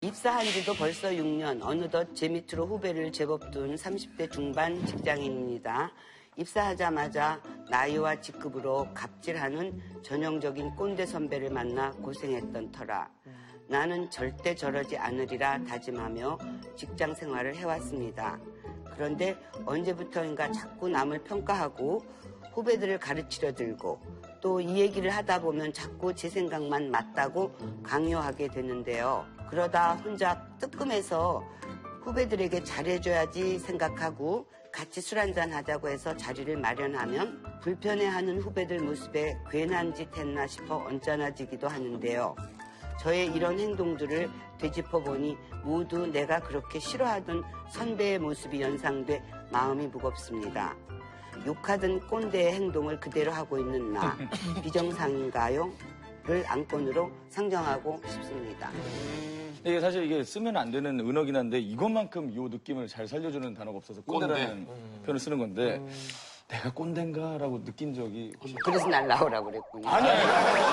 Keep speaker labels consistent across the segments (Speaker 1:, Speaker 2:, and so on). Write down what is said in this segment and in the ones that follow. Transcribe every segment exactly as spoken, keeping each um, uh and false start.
Speaker 1: 입사한 지도 벌써 육 년, 어느덧 제 밑으로 후배를 제법 둔 삼십 대 중반 직장인입니다. 입사하자마자 나이와 직급으로 갑질하는 전형적인 꼰대 선배를 만나 고생했던 터라 나는 절대 저러지 않으리라 다짐하며 직장 생활을 해왔습니다. 그런데 언제부터인가 자꾸 남을 평가하고 후배들을 가르치려 들고 또 이 얘기를 하다 보면 자꾸 제 생각만 맞다고 강요하게 되는데요. 그러다 혼자 뜨끔해서 후배들에게 잘해줘야지 생각하고 같이 술 한잔 하자고 해서 자리를 마련하면 불편해하는 후배들 모습에 괜한 짓 했나 싶어 언짢아지기도 하는데요. 저의 이런 행동들을 되짚어보니 모두 내가 그렇게 싫어하던 선배의 모습이 연상돼 마음이 무겁습니다. 욕하던 꼰대의 행동을 그대로 하고 있는 나 비정상인가요? 를 안건으로 상정하고 싶습니다.
Speaker 2: 이게 사실 이게 쓰면 안 되는 은어긴 한데 이것만큼 이 느낌을 잘 살려주는 단어가 없어서 꼰대라는 꼰대. 음. 표현을 쓰는 건데 음. 내가 꼰대인가라고 느낀 적이 혹시...
Speaker 1: 그래서 날 나오라고 그랬군요.
Speaker 2: 아니 아니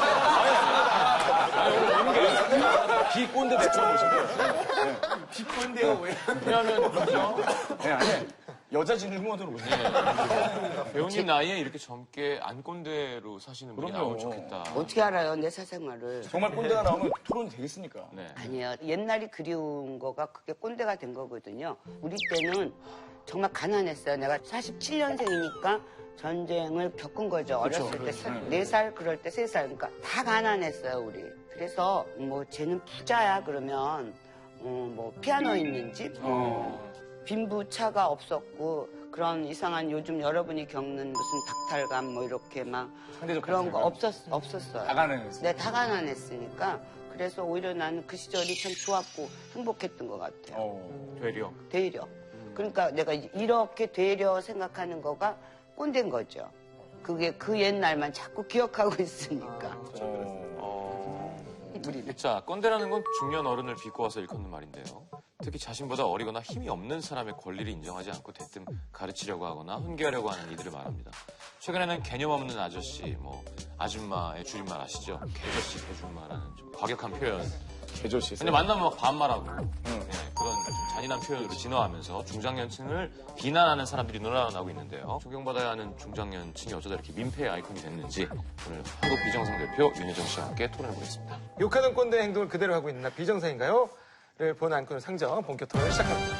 Speaker 2: 아니 비꼰대 배처럼 오신대요.
Speaker 3: 비꼰대요 왜?
Speaker 2: 왜냐하면 그렇죠? 네, 아니 여자 진흥원으로 오세요.
Speaker 3: 배우님 나이에 이렇게 젊게 안 꼰대로 사시는 분이 나오면 좋겠다.
Speaker 1: 어떻게 알아요, 내 사생활을.
Speaker 2: 정말 꼰대가 나오면 토론이 되겠습니까?
Speaker 1: 네. 아니요. 옛날이 그리운 거가 그게 꼰대가 된 거거든요. 우리 때는 정말 가난했어요. 내가 사십칠 년생이니까 전쟁을 겪은 거죠. 그쵸, 어렸을 때 네 살, 그럴 때 세 살. 그러니까 다 가난했어요, 우리. 그래서 뭐 쟤는 부자야 그러면 어, 뭐 피아노 있는 집, 어. 빈부차가 없었고 그런 이상한 요즘 여러분이 겪는 무슨 닥탈감 뭐 이렇게 막 그런 거 없었, 없었어요.
Speaker 2: 다 가난했어요.
Speaker 1: 네, 다 가난했으니까 그래서 오히려 나는 그 시절이 참 좋았고 행복했던 것 같아요.
Speaker 3: 어, 되려.
Speaker 1: 되려. 음. 그러니까 내가 이렇게 되려 생각하는 거가 꼰대인 거죠. 그게 그 옛날만 자꾸 기억하고 있으니까.
Speaker 3: 아, 그렇죠. 어... 우리는. 자, 꼰대라는 건 중년 어른을 비꼬아서 일컫는 말인데요. 특히 자신보다 어리거나 힘이 없는 사람의 권리를 인정하지 않고 대뜸 가르치려고 하거나 훈계하려고 하는 이들을 말합니다. 최근에는 개념 없는 아저씨, 뭐 아줌마의 줄임말 아시죠? 개저씨, 개줌마라는 좀 과격한 표현.
Speaker 2: 개저씨.
Speaker 3: 근데 만나면 막 반말하고 응. 네, 그런 좀 잔인한 표현으로 진화하면서 중장년층을 비난하는 사람들이 늘어나고 있는데요. 존경받아야 하는 중장년층이 어쩌다 이렇게 민폐의 아이콘이 됐는지 오늘 한국 비정상 대표 윤여정 씨와 함께 토론해보겠습니다.
Speaker 4: 욕하던 꼰대 행동을 그대로 하고 있는 나 비정상인가요? 를 본 안건을 상정 본격 토론을 시작합니다.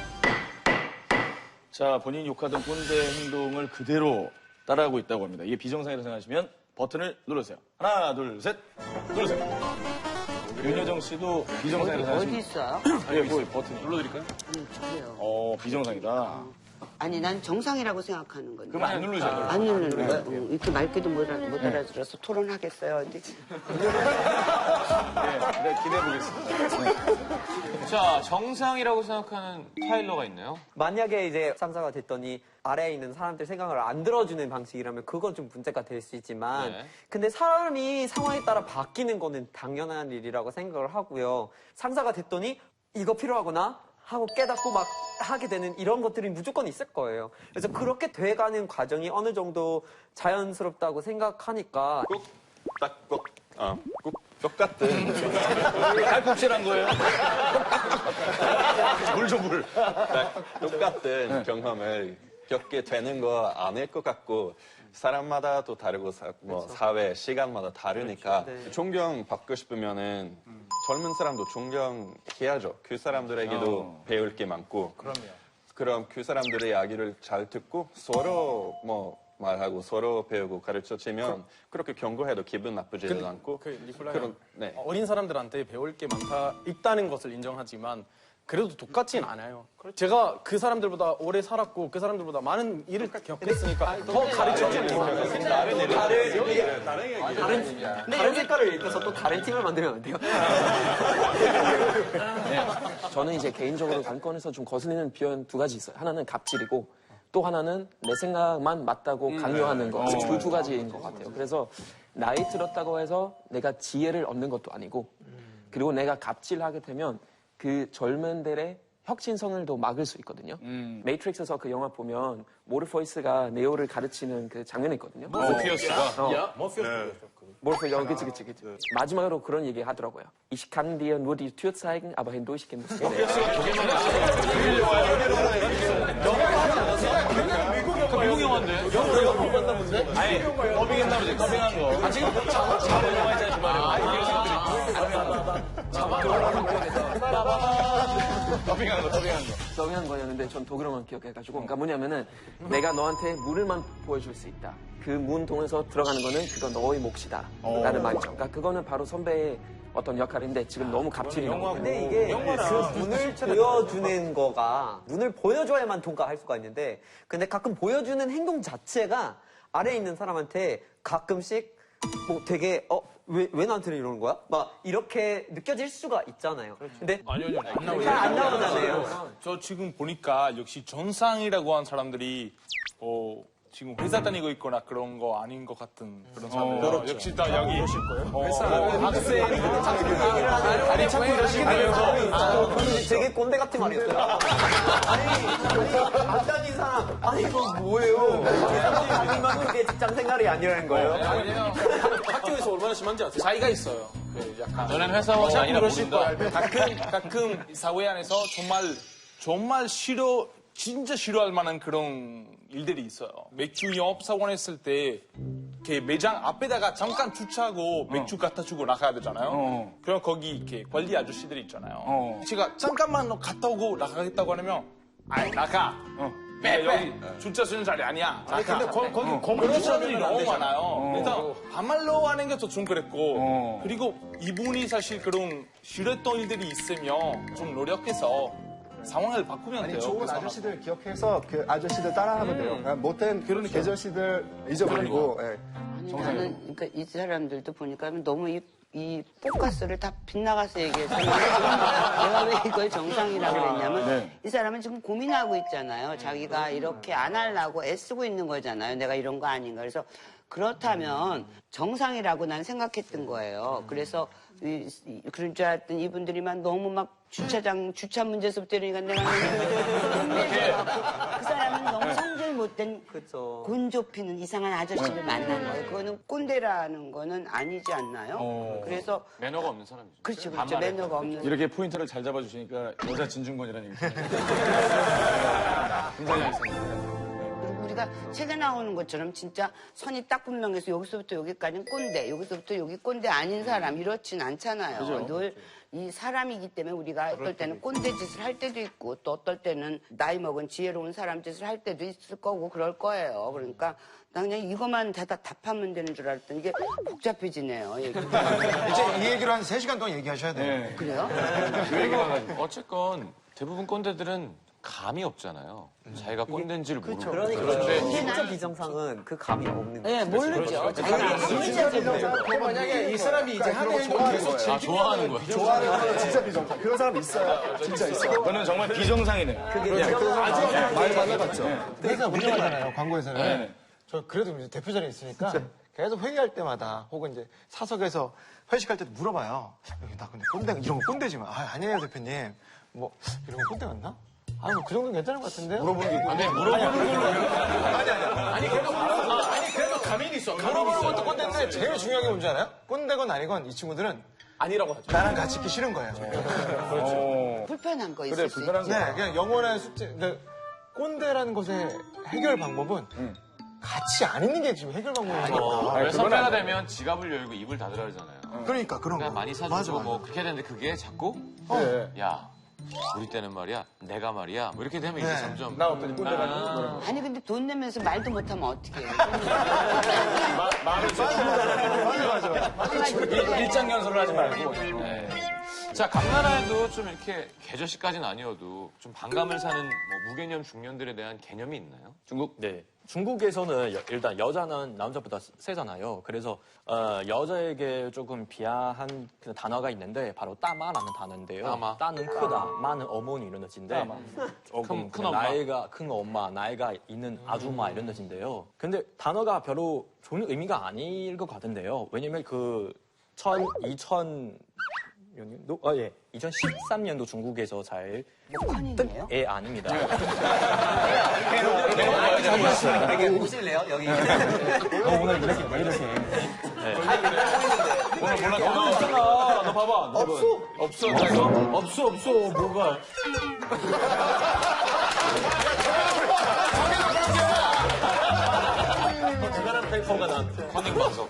Speaker 2: 자, 본인이 욕하던 꼰대 행동을 그대로 따라하고 있다고 합니다. 이게 비정상이라고 생각하시면 버튼을 눌러주세요. 하나, 둘, 셋. 눌러주세요. 윤여정 씨도 비정상이라고 생각하시면
Speaker 1: 어디 있어요?
Speaker 2: 아, 여기 있어요. 버튼이.
Speaker 3: 눌러드릴까요?
Speaker 1: 응, 그래요.
Speaker 2: 어, 비정상이다.
Speaker 1: 아니, 난 정상이라고 생각하는 건데.
Speaker 2: 그럼 안 누르세요.
Speaker 1: 안 누르는 거야? 응, 이렇게 말귀도 못, 알아, 못 알아들어서 토론하겠어요, 어디?
Speaker 2: 네, 네, 기대해보겠습니다.
Speaker 3: 자, 정상이라고 생각하는 타일러가 있나요?
Speaker 5: 만약에 이제 상사가 됐더니 아래에 있는 사람들 생각을 안 들어주는 방식이라면 그건 좀 문제가 될 수 있지만
Speaker 3: 네.
Speaker 5: 근데 사람이 상황에 따라 바뀌는 거는 당연한 일이라고 생각을 하고요. 상사가 됐더니 이거 필요하구나 하고 깨닫고 막 하게 되는 이런 것들이 무조건 있을 거예요. 그래서 그렇게 돼가는 과정이 어느 정도 자연스럽다고 생각하니까
Speaker 6: 꾹, 딱, 꾹, 어, 꾹, 똑같은.
Speaker 2: 칼국질한 거예요? 물 좀 물.
Speaker 6: 딱 똑같은 경험을 겪게 되는 거 아닐 것 같고, 사람마다 또 다르고, 사, 뭐, 그렇죠. 사회, 시간마다 다르니까, 그렇죠. 네. 존경받고 싶으면은, 음. 젊은 사람도 존경해야죠. 그 사람들에게도 어. 배울 게 많고.
Speaker 4: 그럼요.
Speaker 6: 그럼 그 사람들의 이야기를 잘 듣고, 서로 뭐, 말하고 서로 배우고 가르쳐주면 그, 그렇게 경고해도 기분 나쁘지도
Speaker 7: 그,
Speaker 6: 않고.
Speaker 7: 그 니콜라이
Speaker 6: 네.
Speaker 7: 어린 사람들한테 배울 게 많다 있다는 것을 인정하지만 그래도 똑같진 않아요. 그렇죠. 제가 그 사람들보다 오래 살았고 그 사람들보다 많은 일을 겪었으니까 더 가르쳐주는 거예요.
Speaker 5: 다른 다른 다른 다른 색깔을 입혀서 또 다른 팀을 만들면 안 돼요?
Speaker 8: 네. 저는 이제 개인적으로 관건에서 좀 거슬리는 표현 두 가지 있어요. 하나는 갑질이고 또 하나는 내 생각만 맞다고 강요하는 거. 그 두 가지인 것 같아요. 그래서 나이 들었다고 해서 내가 지혜를 얻는 것도 아니고 그리고 내가 갑질하게 되면 그 젊은들의 혁신성을 더 막을 수 있거든요. 음. 메이트릭스에서 그 영화 보면 모르포이스가 네오를 가르치는 그 장면이 있거든요.
Speaker 3: 모피어스가?
Speaker 7: 야, 모피어스.
Speaker 8: 뭘 여 그치 그치 그치. 마지막으로 그런 얘기 하더라고요. Ich kann dir nur die Tür zeigen, aber hindurchgehen musst du nicht.
Speaker 3: 미국 영화인데.
Speaker 2: 아니, 더빙했나 보지, 더빙한 거. 아, 지금 자본 영화 있잖아, 주말에. 더빙한 거, 더빙한 거.
Speaker 8: 서빙한 거였는데 전 독일어만 기억해가지고 그러니까 뭐냐면은 내가 너한테 문을만 보여줄 수 있다. 그 문 통해서 들어가는 거는 그건 너의 몫이다 라는 말이죠. 그러니까 그거는 바로 선배의 어떤 역할인데 지금 너무 갑질이 나고
Speaker 5: 근데 이게 그 문을 보여주는 거가 문을 보여줘야만 통과할 수가 있는데 근데 가끔 보여주는 행동 자체가 아래에 있는 사람한테 가끔씩 뭐 되게 어 왜, 왜 나한테 이러는 거야? 막 이렇게 느껴질 수가 있잖아요. 근데
Speaker 9: 아니요, 아니요. 안 나오죠.
Speaker 5: 잘 안 나오잖아요.
Speaker 9: 저 지금 보니까 역시 전상이라고 한 사람들이 어, 지금 회사 다니고 있거나 그런 거 아닌 것 같은 그런 사람들. 어, 역시 다 여기. 어, 회사 학생,
Speaker 5: 아니 자꾸 이러시면서 되게 꼰대 같은 말이었어요. 아니 안 다닌 사람 아니 이거 뭐예요? 다니만 그게 직장 생활이 아니라는 거예요?
Speaker 7: 학교에서 얼마나 심한지 아세요? 사이가 있어요. 그 약간
Speaker 3: 너는 회사원이
Speaker 7: 어,
Speaker 3: 아니라
Speaker 7: 그러실
Speaker 3: 모른다.
Speaker 7: 거야. 가끔 가끔 사회 안에서 정말 정말 싫어 진짜 싫어할 만한 그런 일들이 있어요. 맥주 영업 사원 했을 때 이렇게 매장 앞에다가 잠깐 주차하고 맥주 갖다 주고 나가야 되잖아요.
Speaker 2: 어.
Speaker 7: 그럼 거기 이렇게 관리 아저씨들이 있잖아요.
Speaker 2: 어.
Speaker 7: 제가 잠깐만 너 갔다 오고 나가겠다고 하면 아이 나가.
Speaker 2: 어.
Speaker 7: 빼, 여기 주차 쓰는 자리 아니야. 아니, 근데 거, 거기 어. 그런 사람들이 너무 많아요. 그래서 반말로 하는 게 더 좀 그랬고
Speaker 2: 어.
Speaker 7: 그리고 이분이 사실 그런 싫었던 일들이 있으면 좀 노력해서 상황을 바꾸면
Speaker 10: 아니
Speaker 7: 돼요.
Speaker 10: 좋은
Speaker 7: 그
Speaker 10: 아저씨들 기억해서 그 아저씨들 따라하면 돼요. 그러니까 못된 그런 계절씨들 잊어버리고. 예.
Speaker 1: 아니, 나는 그러니까 이 사람들도 보니까 너무 이, 이 포커스를 다 빗나가서 얘기해서 내가 왜 이걸 정상이라고 그랬냐면
Speaker 2: 네.
Speaker 1: 이 사람은 지금 고민하고 있잖아요. 자기가 이렇게 안 하려고 애쓰고 있는 거잖아요. 내가 이런 거 아닌가. 그래서 그렇다면 정상이라고 난 생각했던 거예요. 그래서 이, 이, 그런 줄 알았더니 이분들이만 너무 막 주차장 주차 문제서부터 이러니까 내가 그 사람은 너무 성질 못된
Speaker 5: 그쵸.
Speaker 1: 곤 좁히는 이상한 아저씨를 만난 거예요. 그거는 꼰대라는 거는 아니지 않나요?
Speaker 2: 어.
Speaker 1: 그래서
Speaker 3: 매너가 없는 사람이죠.
Speaker 1: 그렇죠, 그렇죠.
Speaker 3: 반말해.
Speaker 1: 매너가 없는.
Speaker 2: 이렇게 포인트를 잘 잡아주시니까 여자 진중권이라는 얘기 있잖아요. 굉장히 알겠습니다.
Speaker 1: 그리고 우리가 책에 나오는 것처럼 진짜 선이 딱 분명해서 여기서부터 여기까지는 꼰대, 여기서부터 여기 꼰대 아닌 사람 이렇진 않잖아요. 늘 이 사람이기 때문에 우리가 어떨 때는 꼰대 짓을 할 때도 있고 또 어떨 때는 나이 먹은 지혜로운 사람 짓을 할 때도 있을 거고 그럴 거예요. 그러니까 나 그냥 이것만 다, 다 답하면 되는 줄 알았더니 이게 복잡해지네요. 얘기가.
Speaker 4: 이제 이 얘기를 한 세 시간 동안 얘기하셔야 돼요.
Speaker 2: 네.
Speaker 1: 그래요?
Speaker 3: 어쨌건 대부분 꼰대들은 감이 없잖아요. 자기가 꼰대인지를 모르고.
Speaker 5: 그러니까
Speaker 3: 그런데
Speaker 5: 진짜 비정상은 그 감이 없는 거예요.
Speaker 1: 네, 모르죠. 자기가 진짜
Speaker 4: 그 만약에 이 사람이 이제 하는 행동 계속
Speaker 3: 아, 좋아하는 거야.
Speaker 10: 좋아하는 거 진짜 비정상. 그런 사람 있어요. 진짜 있어요.
Speaker 2: 그거는 정말 비정상이네요.
Speaker 10: 많이 만나봤죠.
Speaker 4: 회사 운영하잖아요, 광고에서는.
Speaker 2: 네.
Speaker 4: 저 그래도 이제 대표 자리에 있으니까 계속 회의할 때마다 혹은 이제 사석에서 회식할 때도 물어봐요. 여기 나 근데 꼰대, 이런 거 꼰대지만. 아, 아니에요, 대표님. 뭐, 이런 거 꼰대 같나? 아, 뭐 그 정도는 괜찮은 것 같은데요? 물어보는 게.
Speaker 3: 아니, 물어보는 걸로.
Speaker 4: 아니, 아니. 아니, 그래도, 아니, 그래도 가민이 있어. 물어보는 것도 꼰대인데 제일 중요한 게 뭔지 알아요? 꼰대건 아니건 이 친구들은
Speaker 7: 아니라고 하죠.
Speaker 4: 나랑 같이 있기 싫은 거예요.
Speaker 2: 어.
Speaker 1: 불편한 거 있을
Speaker 2: 그래,
Speaker 1: 수
Speaker 2: 불편한
Speaker 1: 있지.
Speaker 2: 거.
Speaker 4: 네, 그냥 영원한 숙제. 근데 꼰대라는 것의 해결 방법은 같이 안 있는 게 지금 해결 방법이니까.
Speaker 3: 왜
Speaker 2: 그건
Speaker 3: 선배가
Speaker 2: 안 돼.
Speaker 3: 되면 지갑을 열고 입을 닫으라 그러잖아요.
Speaker 4: 그러니까 그런
Speaker 3: 그러니까
Speaker 4: 거.
Speaker 3: 많이
Speaker 4: 맞아,
Speaker 3: 사주고
Speaker 4: 맞아.
Speaker 3: 뭐 그렇게 해야 되는데 그게 자꾸
Speaker 2: 네.
Speaker 3: 야 우리 때는 말이야 내가 말이야 뭐 이렇게 되면 이제
Speaker 4: 네.
Speaker 3: 점점
Speaker 2: 나 어떤 꼰대가
Speaker 3: 아,
Speaker 1: 아니 근데 돈 내면서 말도 못하면 어떡해.
Speaker 2: 일장 연설을 하지 말고.
Speaker 3: 네. 자 감나라에도 좀 이렇게 계절시까지는 아니어도 좀 반감을 사는 뭐 무개념 중년들에 대한 개념이 있나요?
Speaker 11: 중국? 네. 중국에서는 여- 일단 여자는 남자보다 세잖아요. 그래서 어, 여자에게 조금 비하한 그 단어가 있는데 바로 따마라는 단어인데요.
Speaker 3: 따마.
Speaker 11: 따는 크다, 마는 어머니 이런 뜻인데 조금
Speaker 3: 큰- 큰
Speaker 11: 그
Speaker 3: 엄마.
Speaker 11: 나이가 큰 엄마, 나이가 있는 아줌마 이런 뜻인데요. 근데 단어가 별로 좋은 의미가 아닐 것 같은데요. 왜냐면 그 천, 이천 년도? 아, 예. 이천십삼 년도 중국에서 잘
Speaker 1: 컨이네요.
Speaker 11: 예, 아닙니다.
Speaker 5: 여기 오실래요? 여기.
Speaker 11: 오늘 이렇게 왜 이렇게. 네.
Speaker 2: 오늘 몰라. 너도 있잖아. 너 봐봐. 없어. 없어. 없어? 없어, 없어. 뭐가.
Speaker 11: 대단한 페이퍼가 난
Speaker 3: 커닝방송.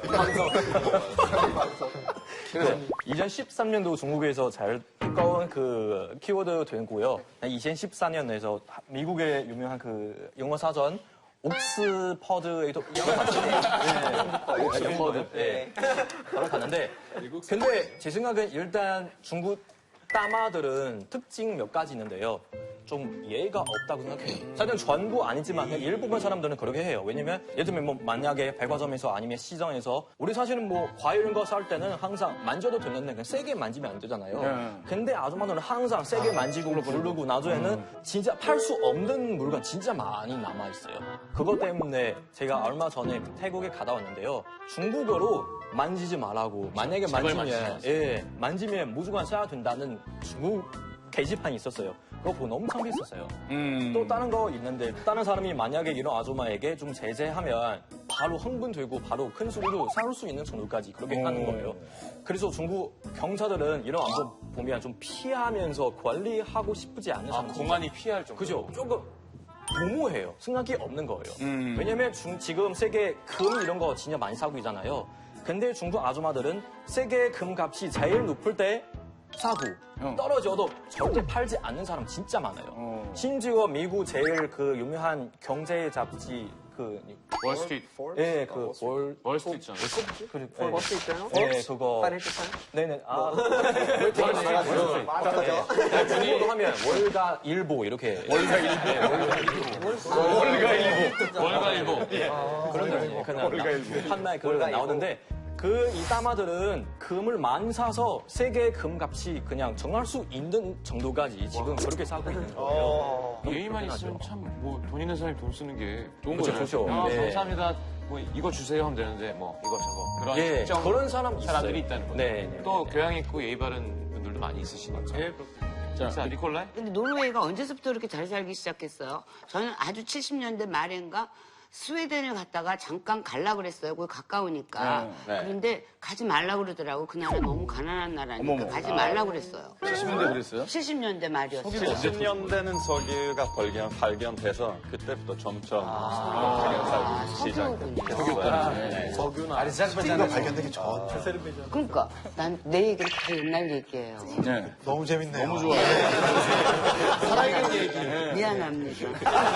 Speaker 11: 그래서 이천십삼 년도 중국에서 잘 가까운 그 키워드 되고요. 이천십사 년에서 미국의 유명한 그 영어 사전 옥스퍼드에도 네, 옥스퍼드 네, 바로 갔는데 근데 제 생각엔 일단 중국 따마들은 특징 몇 가지 있는데요. 좀 예의가 없다고 생각해요. 사실은 전부 아니지만 그냥 일부분 사람들은 그렇게 해요. 왜냐면 예를 들면 뭐 만약에 백화점에서 아니면 시장에서 우리 사실은 뭐 과일 이런 거 살 때는 항상 만져도 되는데 그냥 세게 만지면 안 되잖아요.
Speaker 2: 네.
Speaker 11: 근데 아줌마들은 항상 세게 만지고 부르고 나중에는 진짜 팔 수 없는 물건 진짜 많이 남아 있어요. 그것 때문에 제가 얼마 전에 태국에 갔다 왔는데요. 중국어로 만지지 말라고 만약에 만지면 예 만지면 무조건 써야 된다는 중국 게시판이 있었어요. 그거 보고 너무 창피했었어요.
Speaker 2: 음.
Speaker 11: 또 다른 거 있는데 다른 사람이 만약에 이런 아줌마에게 좀 제재하면 바로 흥분되고 바로 큰 소리로 싸울 수 있는 정도까지 그렇게 하는 거예요. 그래서 중국 경찰들은 이런 안보 보면 좀 피하면서 관리하고 싶지 않은
Speaker 3: 아,
Speaker 11: 사람
Speaker 3: 공안이 피할 정도.
Speaker 11: 그죠? 조금 도모해요. 생각이 없는 거예요.
Speaker 2: 음.
Speaker 11: 왜냐면 중, 지금 세계 금 이런 거 진짜 많이 사고 있잖아요. 근데 중국 아줌마들은 세계 금값이 제일 높을 때 사고
Speaker 2: 어.
Speaker 11: 떨어져도 절대 팔지 않는 사람 진짜 많아요.
Speaker 2: 어.
Speaker 11: 심지어 미국 제일 그 유명한 경제 잡지 그
Speaker 3: 월스트리트.
Speaker 11: 예, 그 월,
Speaker 3: 월스트리트잖아.
Speaker 11: 그,
Speaker 5: 볼 버스 있잖아요.
Speaker 11: 예, 그거.
Speaker 5: 파이낸셜 타임?
Speaker 11: 네네. 아, 중국어로 하면 월가 일보 이렇게. 월가 일보.
Speaker 2: 월가 일보.
Speaker 3: 월가 일보.
Speaker 11: 그런 거 그냥 판매 그걸 나오는데 그 이 따마들은 금을 많이 사서 세계 금값이 그냥 정할 수 있는 정도까지 지금 그렇게 사고 있는 거예요.
Speaker 3: 예의만 있으면 참 뭐 돈 있는 사람이 돈 쓰는 게 좋은
Speaker 11: 그렇죠,
Speaker 3: 거죠.
Speaker 11: 좋죠.
Speaker 3: 아,
Speaker 11: 네.
Speaker 3: 감사합니다. 뭐 이거 주세요 하면 되는데 뭐 이거 저거 그런
Speaker 11: 예,
Speaker 3: 특정
Speaker 11: 그런 사람
Speaker 3: 사람들이
Speaker 11: 있어요.
Speaker 3: 있다는 거죠.
Speaker 11: 네, 네,
Speaker 3: 또
Speaker 11: 네.
Speaker 3: 교양 있고 예의 바른 분들도 많이 있으시니까.
Speaker 11: 예,
Speaker 3: 자, 자 니콜라이.
Speaker 1: 근데 노르웨이가 언제부터 이렇게 잘 살기 시작했어요? 저는 아주 칠십 년대 말인가 스웨덴을 갔다가 잠깐 갈라 그랬어요. 거기 가까우니까.
Speaker 6: 네, 네.
Speaker 1: 그런데 가지 말라 그러더라고. 그 나라 너무 가난한 나라니까
Speaker 2: 어머머.
Speaker 1: 가지 말라 그랬어요.
Speaker 2: 칠십 년대 그랬어요?
Speaker 1: 칠십 년대 말이었어요.
Speaker 6: 칠십 년대는 석유가 발견, 발견돼서 그때부터 점점 석유가 살기 시작했어요. 네.
Speaker 4: 석유나 아리자르바잔이 발견되기 전.
Speaker 1: 그러니까 난 내 얘기를 다 옛날 얘기예요.
Speaker 2: 네.
Speaker 4: 너무 재밌네요.
Speaker 2: 너무 좋아요.
Speaker 4: 살아있는 얘기.
Speaker 1: 미안합니다.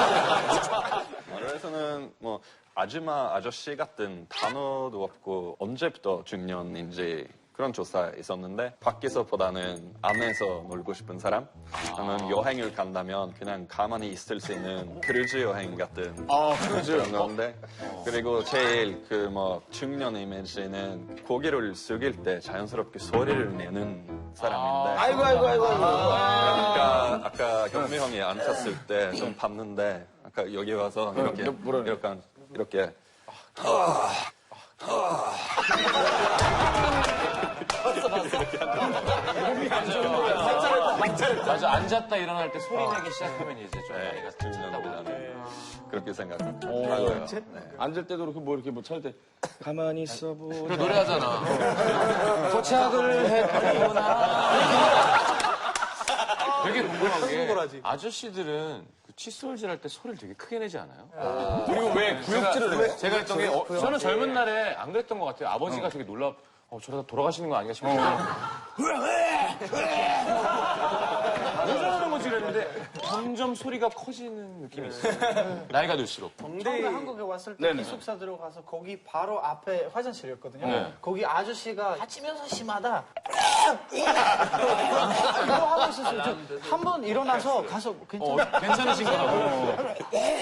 Speaker 6: 그래서는 뭐 아줌마, 아저씨 같은 단어도 없고 언제부터 중년인지 그런 조사 있었는데 밖에서보다는 안에서 놀고 싶은 사람 아니면 여행을 간다면 그냥 가만히 있을 수 있는 크루즈 여행 같은
Speaker 2: 아, 크루즈.
Speaker 6: 그런 건데 그리고 제일 그 뭐 중년 이미지는 고개를 숙일 때 자연스럽게 소리를 내는 사람인데
Speaker 2: 아이고, 아이고, 아이고, 아이고.
Speaker 6: 아까 아까 경미 형이 앉았을 때 좀 봤는데 아까 여기 와서 이렇게
Speaker 2: 너 뭐라 그래?
Speaker 6: 이렇게 이렇게
Speaker 3: 맞아, 앉았다 일어날 때 소리 내기 시작하면 이제 좀
Speaker 6: 네,
Speaker 3: 나이가
Speaker 6: 중년보다는 그렇게
Speaker 2: 오.
Speaker 6: 생각하고요. 네.
Speaker 2: 앉을 때도 그렇게 뭐 이렇게 뭐 찾을 때 가만히 있어 보자.
Speaker 3: 그래, 노래하잖아. 도착을 했구나. 되게 궁금한 게 아저씨들은 그 칫솔질 할 때 소리를 되게 크게 내지 않아요?
Speaker 2: 그리고 왜 구역질을 해?
Speaker 3: 제가 했던 게 어, 저는 젊은 날에 안 그랬던 것 같아요. 아버지가 되게 놀라 어, 저러다 돌아가시는 거 아닌가 싶어서 왜 저러는 거지 그랬는데 점점 소리가 커지는 느낌이 있어요. 나이가 들수록.
Speaker 12: 처음에 한국에 왔을 때
Speaker 2: 네네.
Speaker 12: 기숙사 들어가서 거기 바로 앞에 화장실이었거든요.
Speaker 3: 네.
Speaker 12: 거기 아저씨가 다치면서 심하다. 이거 하고 있었어요. 한 번 일어나서 가서 괜찮아.
Speaker 3: 어, 괜찮으신 거 같아요.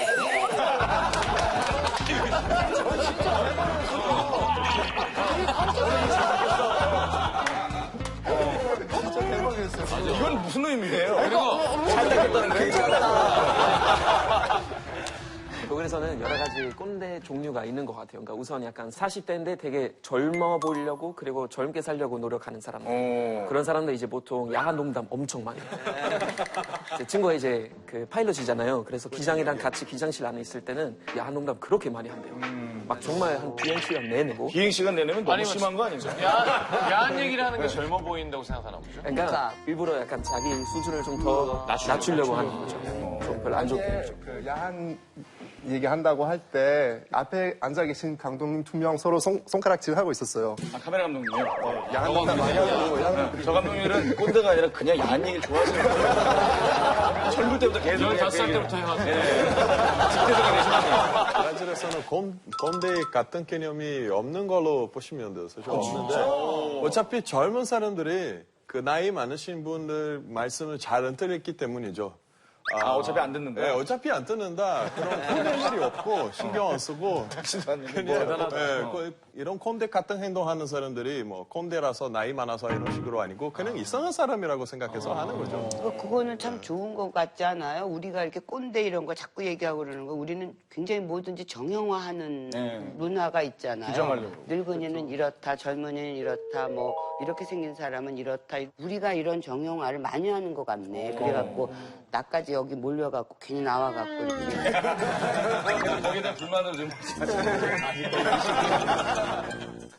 Speaker 4: 진짜 대박이었어요.
Speaker 2: 이건 무슨 의미예요?
Speaker 3: 그리고
Speaker 4: 잘 닦였다는 그 얘기가.
Speaker 8: 독일에서는 여러 가지 꼰대 종류가 있는 것 같아요. 그러니까 우선 약간 사십 대인데 되게 젊어 보이려고 그리고 젊게 살려고 노력하는 사람들.
Speaker 2: 어.
Speaker 8: 그런 사람들 이제 보통 야한 농담 엄청 많이 해요. 제 친구가 이제 그 파일럿이잖아요. 그래서 기장이랑 같이 기장실 안에 있을 때는 야한 농담 그렇게 많이 한대요. 막 정말 한 비행 시간 내내 뭐.
Speaker 2: 비행 시간 내내면 너무
Speaker 3: 아니면
Speaker 2: 심한 거 아닌가요?
Speaker 3: 야한, 야한 얘기를 하는 게 젊어 보인다고 생각하나 보죠.
Speaker 8: 그러니까 일부러 약간 자기 수준을 좀 더 낮추려고 하는 거죠. 좀 별로 안 좋게.
Speaker 10: 이게 그 야한 얘기한다고 할 때 앞에 앉아 계신 감독님 두 명 서로 손, 손가락질 하고 있었어요.
Speaker 2: 아, 카메라 감독님이요?
Speaker 10: 야한 농담 많이 하고 야한
Speaker 2: 저 감독님은 꼰대가 아니라 그냥 야한 얘기를 좋아하시는 거예요. 젊을 때부터 계속.
Speaker 3: 열다섯 살 때부터 해가지고.
Speaker 2: 집대성이 되시는
Speaker 13: 브라질에서는 꼰, 꼰대 같은 개념이 없는 걸로 보시면 돼요. 사실 없는데 어차피 젊은 사람들이 그 나이 많으신 분들 말씀을 잘 안 들었기 때문이죠.
Speaker 2: 아, 어차피 안 듣는다?
Speaker 13: 네, 어차피 안 듣는다. 그런 꼰대 일이 없고 신경 안 쓰고 그냥 네, 그 이런 꼰대 같은 행동하는 사람들이 뭐 꼰대라서 나이 많아서 이런 식으로 아니고 그냥 이상한 사람이라고 생각해서 하는 거죠.
Speaker 1: 그- 그거는 참 좋은 것 같지 않아요? 우리가 이렇게 꼰대 이런 거 자꾸 얘기하고 그러는 거 우리는 굉장히 뭐든지 정형화하는
Speaker 2: 네.
Speaker 1: 문화가 있잖아요.
Speaker 2: 규정하려고.
Speaker 1: 늙은이는 이렇다, 젊은이는 이렇다, 뭐 이렇게 생긴 사람은 이렇다. 우리가 이런 정형화를 많이 하는 것 같네. 그래갖고 나까지 여기 몰려갖고 괜히 나와갖고 이렇게.
Speaker 2: 거기에 대한 불만을 좀.